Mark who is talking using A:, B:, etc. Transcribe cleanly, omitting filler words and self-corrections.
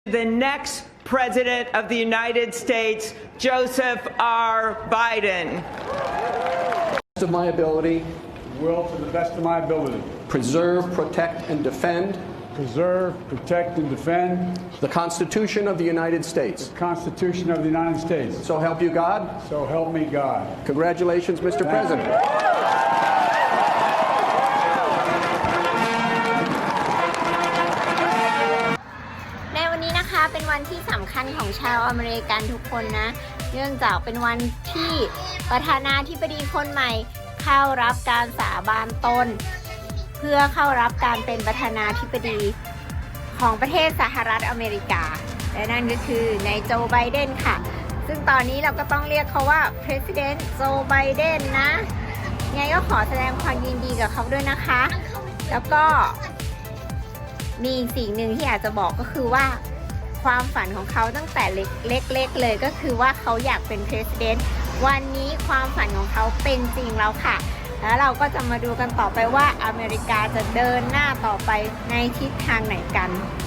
A: The next President of the United States, Joseph R. Biden.
B: Of my ability,
C: will, to the best of my ability,
B: preserve, protect, and defend
C: preserve, protect, and defend
B: the Constitution of the United States.
C: the Constitution of the United States.
B: So help you God.
C: So help me God.
B: Congratulations, Mr. President.
D: ในวันนี้นะคะเป็นวันที่สำคัญของชาวอเมริกันทุกคนนะเนื่องจากเป็นวันที่ประธานาธิบดีคนใหม่เข้ารับการสาบานตนเพื่อเข้ารับการเป็นประธานาธิบดีของประเทศสหรัฐอเมริกาและนั่นก็คือนายโจไบเดนค่ะซึ่งตอนนี้เราก็ต้องเรียกเขาว่า President Joe Biden นะไงก็ขอแสดงความยินดีกับเขาด้วยนะคะแล้วก็มีสิ่งหนึ่งที่อยากจะบอกก็คือว่าความฝันของเขาตั้งแต่เล็กๆเลยก็คือว่าเขาอยากเป็น President วันนี้ความฝันของเขาเป็นจริงแล้วค่ะแล้วเราก็จะมาดูกันต่อไปว่าอเมริกาจะเดินหน้าต่อไปในทิศทางไหนกัน